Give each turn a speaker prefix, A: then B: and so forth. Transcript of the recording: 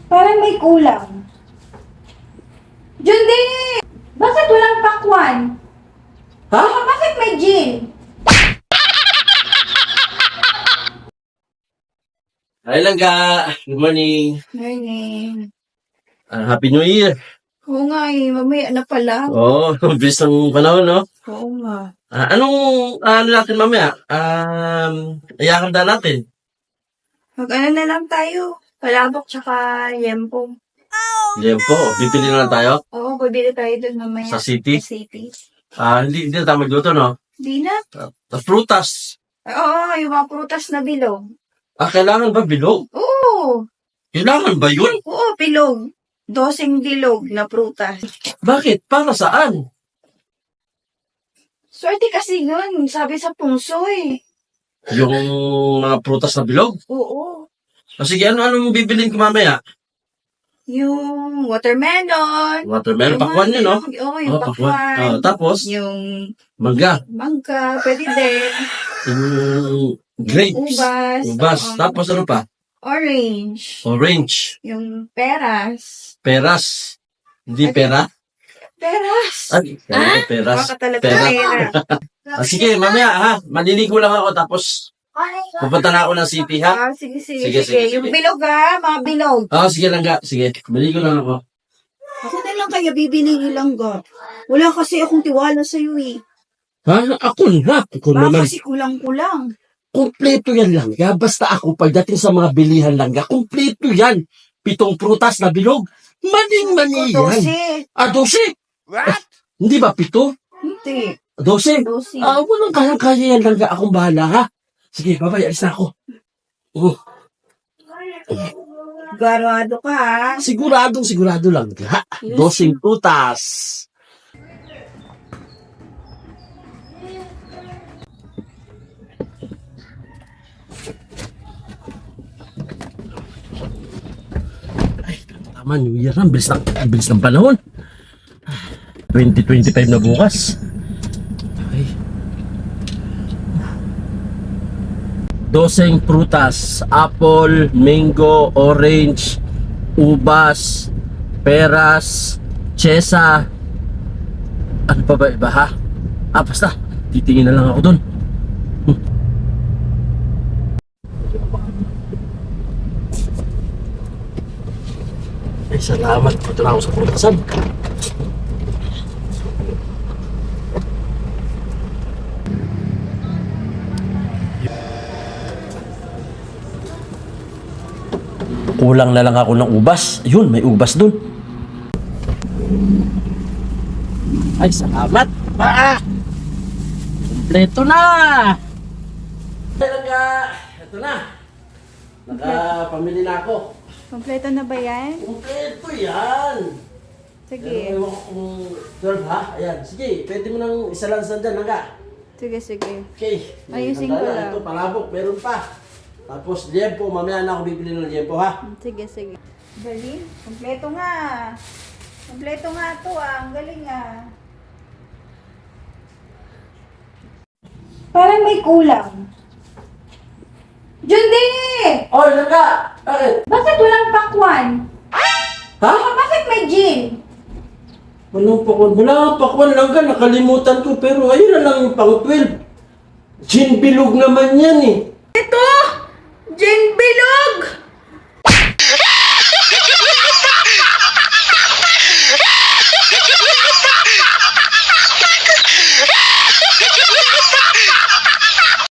A: Parang may kulang. Jundi! Bakit walang pakwan?
B: Ha?
A: Bakit may gin?
B: Hi lang ka. Good morning.
A: Morning.
B: Happy New Year.
A: Oo nga eh, mamaya na pala.
B: Oo, bilis ng panahon, no?
A: Oo nga.
B: Ano natin mamaya? Iyakan na natin.
A: Mag-ano na lang tayo? Palabok tsaka yempo.
B: Yan po, bibili na lang tayo
A: Oo, bibili tayo dun mamaya.
B: sa city.
A: Sa city.
B: Hindi na tayo magluto, no?
A: Di na.
B: Prutas.
A: Oo, yung mga prutas na bilog.
B: Kailangan ba bilog?
A: Oo.
B: Kailangan ba yun?
A: Oo, bilog. Dosing bilog na prutas.
B: Bakit? Para saan?
A: Swerte kasi nun, sabi sa pungso eh.
B: Yung mga prutas na bilog?
A: Oo.
B: Sige, ano bibilin ko mamaya?
A: Yung watermelon.
B: Watermelon,
A: Yung
B: pakwan
A: mga
B: yun, no?
A: bilog, Oo, yung
B: pakwan.
A: pakwan.
B: Tapos,
A: Yung
B: mangga.
A: mangga, pwede din.
B: Yung grapes.
A: Ubas.
B: Ubas.
A: Oo.
B: Tapos ano pa?
A: Orange.
B: Orange.
A: Yung peras.
B: Peras. Hindi
A: Ano?
B: pera?
A: Peras.
B: Peras.
A: Baka talaga
B: Pera.
A: pera.
B: Sige, mamaya ha. Maliligo lang ako tapos pupunta na ako ng city ha.
A: Sige,
B: Sige,
A: sige.
B: sige.
A: Yung bilog mga bilog.
B: Sige lang ga. Sige, maligo lang ako.
A: Ako na lang kaya bibili nilang ga. Wala kasi akong tiwala sa iyo eh.
B: Ako na. Ako
A: Baka
B: naman.
A: kasi kulang-kulang.
B: Kumpleto yan lang ga. Basta ako pagdating sa mga bilihan lang ga. Kumpleto yan. 7 prutas na bilog. Maning-mani yan. 12.
C: What?
B: Hindi ba 7?
A: Hindi.
B: 12.
A: Dosi.
B: Walang kayang-kaya yan lang ga. Akong bahala ha. Sige, babay. Alis na ako.
A: Garado ka ha.
B: Sigurado lang ga. 12 prutas. Ay, tama, New Year na. Bilis ng panahon. 2025 na bukas. Ay. 12 prutas. Apple, mango, orange, ubas, peras, chesa. Ano pa ba iba ha? Basta. Titingin na lang ako dun. Ay, salamat. Ito na ako sa prutasan. Kulang na lang ako ng ubas. Yun, may ubas dun. Ay, salamat. Kompleto na. Ito na. Nakapamili na ako.
A: Kompleto na ba yan?
B: Kompleto yan.
A: Sige.
B: Pero ewan ko kung 12 ha? Ayan. Sige, pwede mo nang isa lang sandyan. Hangga.
A: Sige.
B: Okay.
A: Ayusin
B: Handa
A: ko
B: na.
A: lang.
B: Ito, palabok. Meron pa. Tapos, liempo. Mamaya na ako bibili ng liempo ha.
A: Sige. Galing. Kompleto nga. Kompleto nga to Ang galing Parang may kulang. Jundi!
B: Oh, Langga! Bakit?
A: Bakit walang pakwan?
B: Ha?
A: Bakit may gin?
B: Walang pakwan. Wala pakwan, Langga. Nakalimutan ko. Pero ayun na lang yung pang 12. Gin bilog naman yan eh.